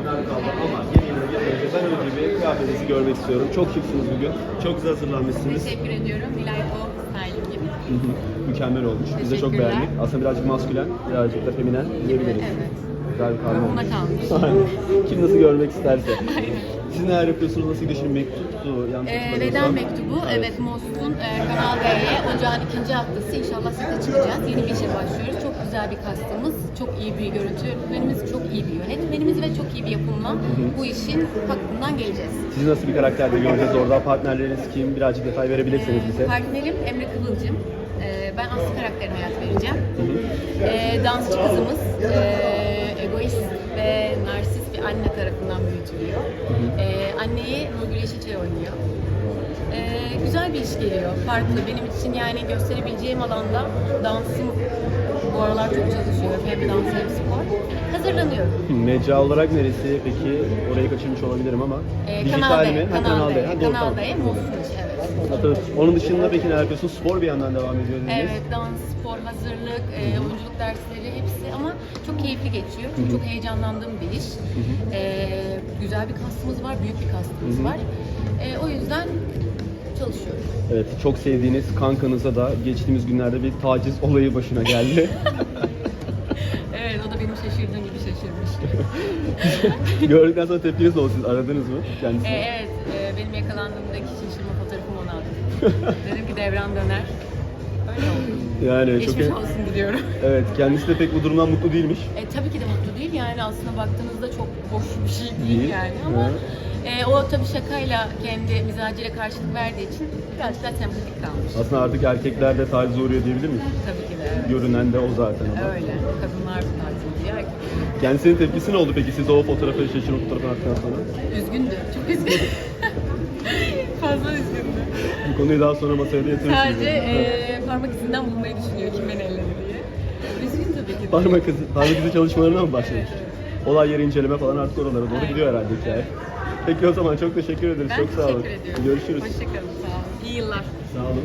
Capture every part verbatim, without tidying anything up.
günler kaldı ama yeni yıla gelince ben önce bir kıyafetinizi görmek istiyorum. Çok şıksınız bugün. Çok güzel hazırlanmışsınız. Teşekkür ediyorum. Nilay O styling gibi. Hı hı. Mükemmel olmuş. Biz de çok Teşekkürler. beğendik. Aslında birazcık maskülen, birazcık da feminen diyebiliriz. Evet. Güzel bir karma Buna olmuş. kalmış. Aynen. Kim nasıl görmek isterse. Aynen. Siz neler yapıyorsunuz? Nasıl gidiyor şimdi mektuptu? Yanlış Ee, hatırlamıyorsam. veda mektubu, evet, Most'un e, Kanal D'ye ocağın ikinci haftası inşallah sete çıkacağız. Yeni bir işe başlıyoruz. Çok güzel bir kastımız, çok iyi bir görüntü yönetmenimiz, çok iyi bir yönetmenimiz ve çok iyi bir yapımla bu işin hakkından geleceğiz. Sizi nasıl bir karakterde göreceğiz orada? Partnerleriniz kim? Birazcık detay verebilirsiniz bize. Partnerim Emre Kıvılcım. Ee, ben Aslı karakterine hayat vereceğim. Ee, dansçı kızımız e, egoist ve narsist bir anne tarafından büyütülüyor. Ee, anneyi Nurgül Yeşilçay oynuyor. Ee, güzel bir iş geliyor. Farklı. Benim için yani gösterebileceğim alanda dansım bu aralar çok çalışıyorum. Hem dans hem spor. Hazırlanıyorum. Mecra olarak neresi peki? Orayı kaçırmış olabilirim ama. Ee, Dijital Kanal D, mi? Ha, Kanal D, Ha, doğru, Kanal tamam. D'ye Most'un içi, evet. Tabii. Onun dışında peki neler yapıyorsunuz? Spor bir yandan devam ediyor dediniz. Evet, dans, spor, hazırlık, e, oyunculuk dersleri hepsi ama çok keyifli geçiyor. Çünkü çok heyecanlandığım bir iş. E, güzel bir kastımız var, büyük bir kastımız var. E, o yüzden çalışıyorum. Evet, çok sevdiğiniz kankanıza da geçtiğimiz günlerde bir taciz olayı başına geldi. Evet, o da benim şaşırdığım gibi şaşırmış. Gördükten sonra tepkiniz oldu, siz aradınız mı kendisini? E, evet, e, benim yakalandığımdaki şaşırma fotoğrafımı ona attım. Dedim ki devran döner. Öyle oldu. Yani çok Geçmiş olsun diliyorum. Evet, kendisi de pek bu durumdan mutlu değilmiş. E, tabii ki de mutlu değil yani aslında baktığınızda çok hoş bir şey değil, Değil. yani ama Hı. e, o tabii şakayla kendi mizacıyla karşılık verdiği için biraz daha sempatik kalmış. Aslında artık erkekler de tacize uğruyor diyebilir miyiz? Tabii ki de evet. Görünen de o zaten ama. Öyle. Kadınlar bu tarz oluyor. erkekler. Kendisinin tepkisi ne oldu peki siz o fotoğrafı, şaşırma fotoğrafını attıktan sonra? Üzgündü. Çok üzgündü. Fazla üzgündü. Bu konuyu daha sonra masaya da yatırırsınız. Sadece e, parmak izinden bulmayı düşünüyor kim beni elledi diye. Üzgün tabii ki de. Parmak izi, parmak izi çalışmalarına mı başlamış? Olay yeri inceleme falan artık oralara doğru Aynen. gidiyor herhalde hikaye. Peki o zaman çok teşekkür ederiz. Ben çok sağ olun. teşekkür ediyorum. Görüşürüz. Hoşçakalın. Sağ olun. İyi yıllar. Sağ olun.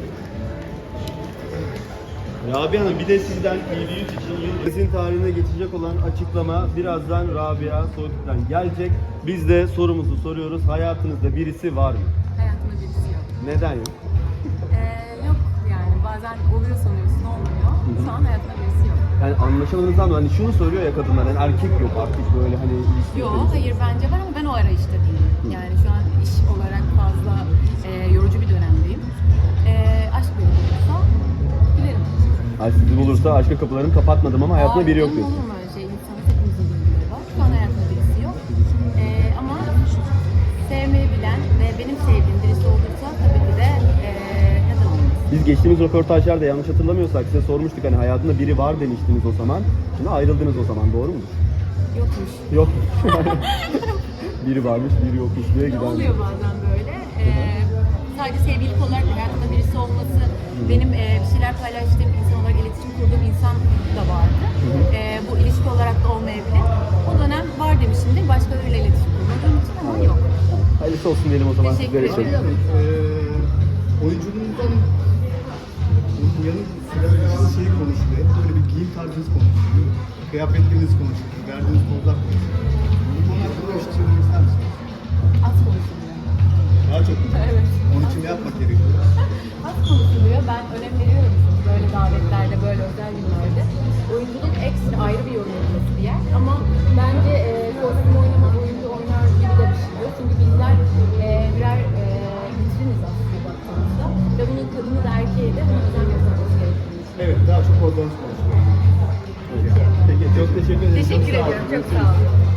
Rabia Hanım, bir de sizden T V yüz için yıl tarihine geçecek olan açıklama birazdan Rabia Soğuk'tan gelecek. Biz de sorumuzu soruyoruz. Hayatınızda birisi var mı? Hayatımda birisi yok. Neden yok? Ee, yok yani bazen oluyor sanıyorsun olmuyor. Şu an hayatımda birisi yok. Yani anlaşamadığınızdan mı? Hani şunu soruyor ya kadınlar, yani erkek yok artık böyle hani ilişki Yok yok. hayır bence var ama ben o arayışta değilim. Yani şu an iş olarak fazla e, yorucu bir dönemdeyim. E, aşk beni bulursa gülerim. Ay sizi bulursa aşka kapılarını kapatmadım ama hayatımda biri yok Aa, diyorsun. olur mu öyle şey? İnsanın hepimizin duyguları var. Şu an hayatımda birisi yok. E, ama sevmeyi bilen ve benim sevdiğim birisi olursa tabii ki de e, neden olmasın? Biz geçtiğimiz röportajlarda yanlış hatırlamıyorsak size sormuştuk, hani hayatında biri var demiştiniz o zaman. Şimdi ayrıldınız o zaman, doğru mudur? Yokmuş. Yok. Biri varmış, biri yokmuş diye giden. Oluyor bazen böyle. Ee, sadece sevgililik olarak hayatımda birisi olması, benim e, bir şeyler paylaştığım insan olarak iletişim kurduğum insan da vardı. Ee, bu ilişki olarak da olmayabilir. O dönem var demişimdir. Başkalarıyla iletişim kurmadığım için ama yok. Hayırlısı olsun diyelim o zaman Teşekkür sizler için. ederim. Ee, oyunculuğunuzdan yanı sıra şeyi konuşuluyor. Böyle bir giyim tarzınız konuşuluyor. Kıyafetleriniz konuşuluyor. Verdiğiniz pozlar konuşuluyor. Bu konu hakkında bir şey söylemek ister misiniz? Az konuşuluyor. Daha çok mu? Evet. Onun için ne yapmak gerekiyor? Az konuşuluyor. Ben önem veriyorum böyle davetlerde, böyle özel günlerde. Oyunculuk ekstra ayrı bir yorum yapılması bir yer. Ama bence e, kostüm oynamak, oyuncu oynar gibi de bir şey yok. Çünkü bizler e, birer e, vitriniz aslında baktığımızda. Ve bunun kadını da erkeği de buna özen göstermesi gerektiğini düşünüyorum. Evet, daha çok oradan konuşuluyor. Peki çok teşekkür ederim. Teşekkür Çok sağ olun. ediyorum. Çok sağ olun.